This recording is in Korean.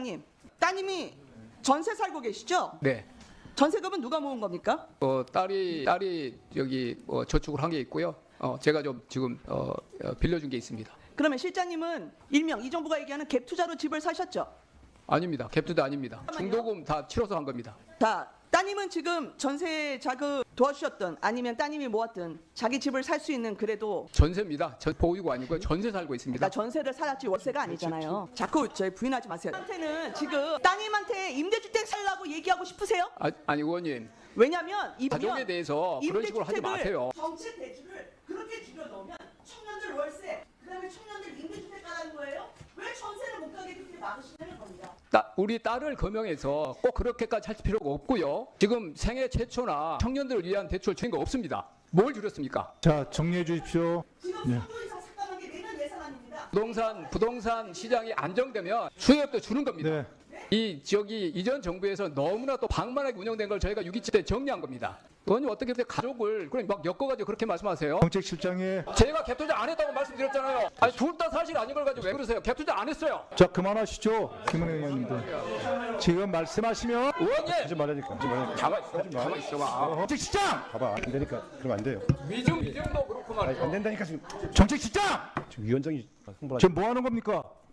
실장님, 따님이 전세 살고 계시죠? 네. 전세금은 누가 모은 겁니까? 딸이 여기 저축을 한 게 있고요. 제가 좀 지금 빌려준 게 있습니다. 그러면 실장님은 일명 이 정부가 얘기하는 갭 투자로 집을 사셨죠? 아닙니다. 갭투도 아닙니다. 중도금 다 치러서 한 겁니다. 자, 따님은 지금 전세 자금 도와주셨든 아니면 따님이 모았든 자기 집을 살 수 있는 그래도 전세입니다. 보유고 아니고요. 전세 살고 있습니다. 그러니까 전세를 살았지 월세가 아니잖아요. 자꾸 저희 부인하지 마세요. 한테는 지금 따님한테 임대주택 살라고 얘기하고 싶으세요? 아니 의원님, 왜냐면 이 가족에 대해서 그런 식으로 하지 마세요. 정책 대출을 그렇게 줄여 넣으면 청년들 월세, 그다음에 청년들 임대주택 가라는 거예요? 왜 전세를 못 가게 그렇게 막으시냐는 겁니다. 우리 딸을 거명해서 꼭 그렇게까지 할 필요가 없고요. 지금 생애 최초나 청년들을 위한 대출 주인 거 없습니다. 뭘 줄였습니까? 자, 정리해 주십시오. 지금 네. 3조 이상 삭감한 게 내년 예산안입니다. 부동산 시장이 안정되면 수요업도 주는 겁니다. 네. 이전 정부에서 너무나 또 방만하게 운영된 걸 저희가 6.27 때 정리한 겁니다. 의원님 어떻게 가족을 그냥 막 엮어가지고 그렇게 말씀하세요? 정책실장의 제가 갭투자 안 했다고 말씀드렸잖아요. 아니 둘 다 사실 아닌 걸 가지고 왜 그러세요? 갭투자 안 했어요. 자, 그만하시죠. 김은혜 의원님들. 지금 말씀하시면 의원님 하지 말라니까. 하지 말라니까. 가만 있어봐. 정책실장! 봐봐. 안 되니까. 그러면 안 돼요. 위증도 그렇고 말이죠. 안 된다니까 지금. 정책실장! 지금 위원장이 홍보를 지금 뭐 하는 겁니까?